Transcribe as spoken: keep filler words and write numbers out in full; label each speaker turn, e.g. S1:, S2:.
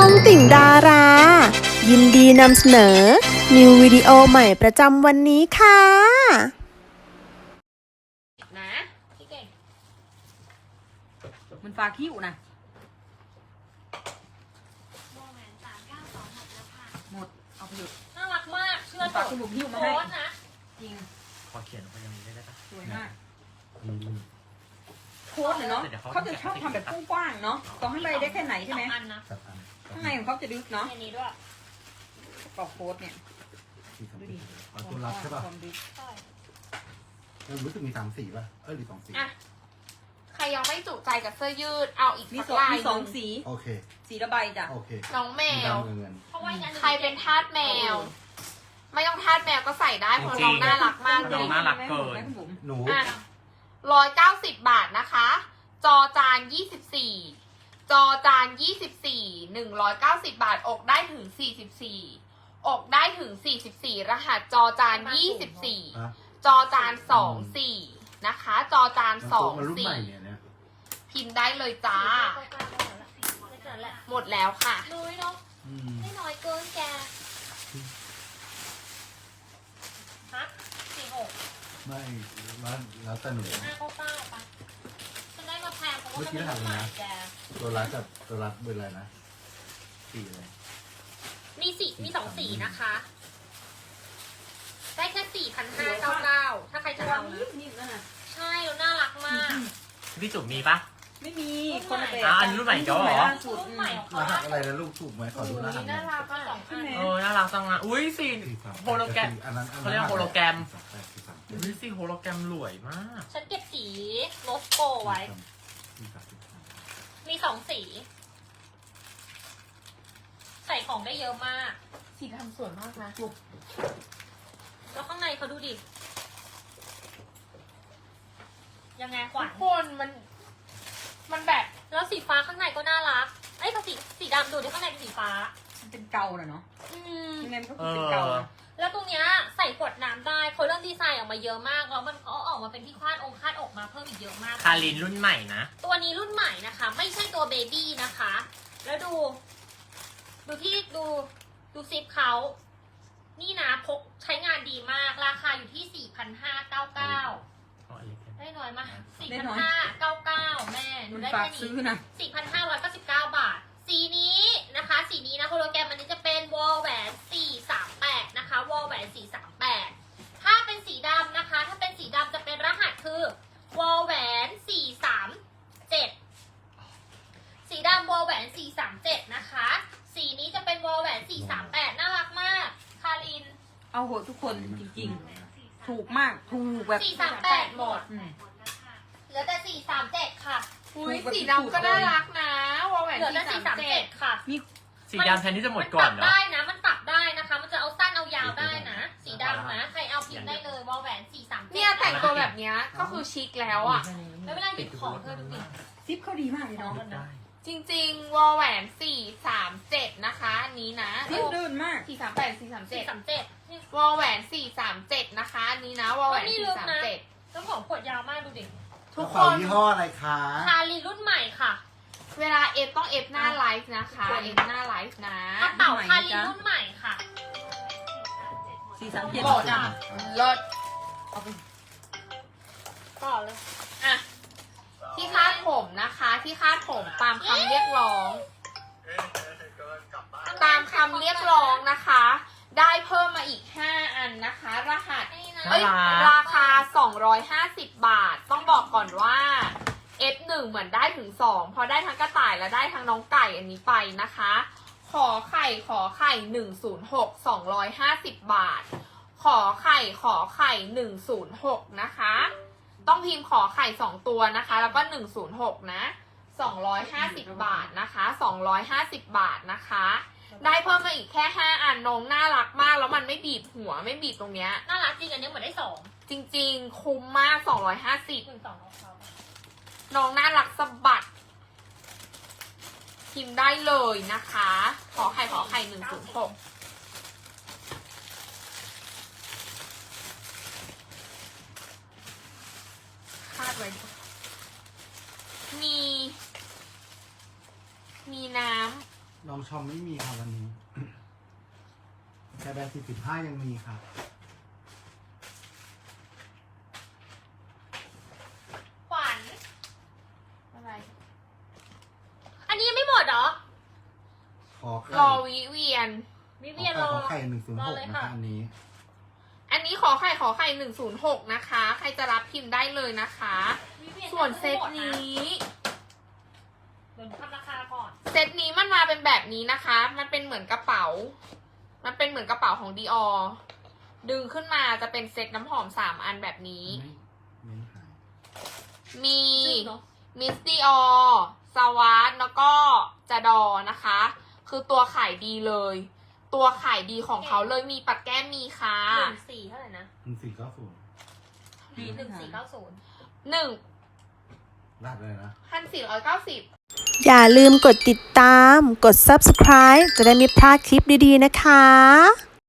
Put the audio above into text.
S1: องติ่งดารา ยินดีนำเสนอ นิววิดีโอใหม่ประจำวันนี้ค่ะ
S2: นะพี่เก่ง
S3: มันฟาคิ้วนะหมดเอาไปหยุด
S2: น่ารักมากเชื่อ
S3: มัน
S2: เถ
S3: ฝาก
S2: อะ
S3: คุณลุงหิ้วมา
S2: โพ
S3: ให้
S2: สต์นะ
S3: จริง
S4: ขอเขียนไปยังนี้ได้ปะ
S3: สวยมาก
S4: อืม
S3: โค้ดเนาะเขาจะชอบทำแบบกว้างๆเนาะต้องให้ใบได้แค่ไหนใช่ไหม
S2: สองอันนะ
S4: สับอัน
S3: ข้างในของเขาจะลึกเนาะ
S2: อันนี้ด้วย
S3: กรอบโค้ดเนี่ย
S4: สี่สาม
S3: ดู
S4: สี่
S3: ดิ
S4: อ๋อตัวรับใช่ป่ะ
S3: ความลึก
S2: ใช่
S4: แล้วรู้สึกมีสามสี่ป่ะเออหรือสองสี่
S2: อ่ะใครยังไม่จุใจกับเสื้อยืดเอาอีก
S3: มี
S2: สัก
S3: สอง
S2: ลาย
S3: มี
S2: ห
S3: สอง
S2: นึ่ง
S3: สี
S4: โอเค
S3: สีละใบจ้ะ
S4: โอเค
S2: น้องแมว
S4: เงินเงิน
S2: เพราะว่าใครเป็นทาสแมว ไม่ต้องทาสแมวก็ใส่ได้เพราะน้องน่ารักมากเล
S4: น้อง
S2: ย
S4: น่ารักเกิน
S3: แม่คุณบุ๋ม
S4: หนู
S2: อ่ะร้อยเก้าสิบบาทนะคะ จอจานยี่สิบสี่จอจานยี่สิบสี่หนึ่งร้อยเก้าสิบบาทอกได้ถึงสี่สิบสี่อกได้ถึงสี่สิบสี่รหัสจอจานยี่สิบสี่
S4: อ่ะ
S2: จอจานสองสี่นะคะ จอจานสอง
S4: มันรุ่น
S2: สี่
S4: ใหม่เนี่ยเนี่ย
S2: พิมพ์ได้เลยจ้า หมดแล้วค่ะ
S5: น้อยเนาะ
S4: อืม
S5: ไม่น้อยเกินแก
S2: ฮะสี่หก
S4: ไม่แล้วแล้วแต่หนู
S5: ห้าเก้าเก้าปะฉันได้มาแพงเพราะว่า
S4: เมื่อ
S5: มัน
S4: กี้
S5: เป็น
S4: ถามเลย
S5: ใหม่
S4: นะ
S5: แก
S4: ตัวรัดกับตัวรัดเบอร์อะไรนะสี่เลย
S2: มีสีมีสองสีนะคะ ได้แค่สี่พันห้าเก้าเก้าถ้าใครจะ
S3: ตัว
S2: เอา
S3: นี้
S2: นะ
S3: นิ่มๆนั่นน่ะ
S2: ใช่แล้วน่ารักมาก
S4: พี่จุ๋มมีปะ
S3: ไม่มีคนละแบบ
S4: อ่ะอันนี้รุ่นใหม่เดี๋ยวเหรอ
S3: ล่าสุด
S5: รุ่นใหม่ของ
S4: ร
S5: เขา
S4: หัสอะไรนะลูกถูกไหมขอดูรหัสหน่
S2: น่า
S4: อย
S2: รักอ่ะ
S5: สองอัน
S4: เออน่ารักจังอ่ะอุ้ยสีสี่สามโฮโลแกรมอันนั้นอันนั้นเขาเรียกว่าโฮโลแกรมสี่สามแปดสี่สามเจ็ดอุ้ยสีโฮโลแกรมรวยมาก
S2: ฉันเก็บสีโลสโกไว้
S4: สี่สามสี่สาม
S2: มีสองสี ใส่ของได้เยอะมาก สีดำสวยมากนะ แล้วข้างในเขาดูดิ ยังไงขวัญคนมัน มันแบบ แล้วสีฟ้าข้างในก็น่ารัก เอ้ยสีสีดำดูดิข้างในเป็นสีฟ้า
S3: มันเป็นเกาน่ะเนาะ
S2: อืม
S3: ยังไงมันก็
S4: เอ
S3: คือเป็น
S4: อ
S3: เกานะ
S2: แล้วตรงเนี้ยใส่ขวดน้ำได้เขาเริ่มดีไซน์ออกมาเยอะมาก แล้วมันก็ออกมาเป็นที่คาดองค์คาดอกมาเพิ่มอีกเยอะมาก
S4: คารินรุ่นใหม่นะ
S2: ตัวนี้รุ่นใหม่นะคะ ไม่ใช่ตัวเบบี้นะคะ แล้วดู ดูที่ดูดูซิปเขานี่นะพกใช้งานดีมาก ราคาอยู่ที่ สี่พันห้าร้อยเก้าสิบเก้า ได้น้อยมาก สี่พันห้าร้อยเก้าสิบเก้า แม่หนู
S3: มัน
S2: ได้
S3: ฝาก
S2: แค่
S3: ซื้อ
S2: นี้
S3: นะ
S2: สี่พันห้าร้อยเก้าสิบเก้า บาท สีนี้นะคะ สีนี้นะโฮโลแกรมอันนี้จะเป็นวอลแหวนสี่สามแปดนะคะวอลแหวนสี่สามแปดถ้าเป็นสีดำนะคะ ถ้าเป็นสีดำจะเป็นรหัสคือวอลแหวนสี่สามเจ็ดสีดำวอลแหวนสี่สามเจ็ดนะคะ สีนี้จะเป็นวอลแหวนสี่สามแปดน่ารักมาก คาริน
S3: เอาโหดทุกคนจริงๆ ถูกมากถูกแบบ
S2: สี่สามแปดหมด
S3: อืม
S2: เหลือแต่สี่สามเจ็ดค่ะ
S3: อุ๊ยสีดำก็น่ารักนะ
S2: วอลแหวนเหลือแต่สี่สามเจ็ดค่ะ
S3: มี
S4: สีดำแทนที่จะหมดก่อน
S2: มันปรับ
S4: เนาะ
S2: ได้นะ มันปรับได้นะคะ มันจะเอาสั้นเอายาวได้นะ สีดำนะ ใครเอาพิมพ์ได้เลยวอลแหวนสี่สามเจ็ด
S6: เนี่ยแต่งตัวแบบเนี้ยก็คือชิคแล้วอ่ะ
S2: แล้วเวลาหยิบของเธอดูดิ
S3: ซิปเขาดีมากเลยเนาะ
S4: ได้
S6: จริงๆ วอลแหวนสี่สามเจ็ดนะคะอันนี้นะ
S3: ซิปเดินมาก
S6: สี่สามแปดสี่สามเจ็
S2: สี่
S6: ด
S2: สามเจ็ด
S6: วอลแหวนสี่สามเจ็ดนะคะอันนี้นะวอลแหวน
S2: นี่
S6: สี่
S2: ลึก
S6: สาม
S2: นะ
S6: เจ็ด
S2: แล้วของขวดยาวมากดูดิ
S6: ทุก
S4: กระ
S6: ค
S4: เป๋าน ยี่ห้ออะไรคะ
S2: คารีรุ่นใหม่ค่ะ
S6: เวลาเอฟต้องเอฟหน้าไลฟ์นะคะเอฟหน้าไลฟ์นะ
S2: กระเป๋าคารีรุ่นใหม่ค่ะ
S3: สี่สามเจ็ด
S6: หมดอ่ะลด
S2: ต่อเลย
S6: อ่ะที่คาดผมนะคะ ที่คาดผมตามคำเรียกร้อง ตามคำเรียกร้องนะคะ ได้เพิ่มมาอีกห้าอันนะคะ รหัส
S2: นี่นะ
S6: เอ้ยราคา สองร้อยห้าสิบ บาท ต้องบอกก่อนว่า เอฟ หนึ่ง เหมือนได้ถึง สองเพราะได้ทั้งกระต่ายและได้ทั้งน้องไก่อันนี้ไปนะคะ ขอไข่ขอไข่หนึ่งศูนย์หก สองร้อยห้าสิบ บาท ขอไข่ขอไข่หนึ่งศูนย์หกนะคะ ต้องพิมพ์ขอไข่สองตัวนะคะ แล้วก็หนึ่งศูนย์หกนะ สองร้อยห้าสิบ บาทนะคะ สองร้อยห้าสิบ บาทนะคะ ได้เพิ่มมาอีกแค่ห้าอันน้องน่ารักมากแล้วมันไม่บีบหัวไม่บีบตรงเนี้ย
S2: น่ารักจริงอันนี้เหมือนได้สอง
S6: จริงๆ คุ้มมาก สองร้อยห้าสิบ
S2: หนึ่งสองของเขา
S6: น้องน่ารักสะบัด พิมพ์ได้เลยนะคะ ขอไข่ขอไข่หนึ่งศูนย์หกคาดไว้ด้วยมี มีน้
S7: ลองชมไม่มีครับวันนี้แค่แบรนด์สี่สิบห้ายังมีครับ
S2: ขวัญ
S6: อะไร
S2: อันนี้ยังไม่หมดเหรอ
S7: ขอไข่
S6: รอวิเวียน
S2: วิ
S7: ขอ
S2: เวียน
S7: ไข่
S2: รอ
S7: ขอไข่หนึ่งศูนย์
S2: ร
S7: ห
S2: อก เลย
S7: นะ
S2: ค่ะ
S7: คะอันนี้
S6: อันนี้ขอไข่ขอไข่หนึ่งศูนย์หกนะคะ ใครจะรับพิมพ์ได้เลยนะคะ
S2: วิเวีย
S6: ส่วนเซต
S2: ยังไม่หมดะ
S6: นี้
S2: เดี๋ยวหนูทำราคาก่อน
S6: เซตนี้มันมาเป็นแบบนี้นะคะ มันเป็นเหมือนกระเป๋า มันเป็นเหมือนกระเป๋าของดีออดึงขึ้นมาจะเป็นเซตน้ำหอมสามอันแบบนี้
S7: ไม่ไม่หาย
S6: มี
S2: จริงเหรอ
S6: มิสติออสวาร์แล้วก็จาดอนะคะ คือตัวขายดีเลย ตัวขายดีของเขาเลยมีปัดแก้มมีค่ะ
S2: หนึ่งสี่เท่าไหร่นะ
S7: หนึ่งสี่เก้าศูนย์
S2: หนึ่งสี่เก้าศูนย์
S6: หนึ่ง
S7: รหัสเลยนะ
S6: พันสี่ร้อยเก้าสิบ
S1: อย่าลืมกดติดตาม กด ซับสไครบ์ จะได้ไม่พลาดคลิปดีๆนะคะ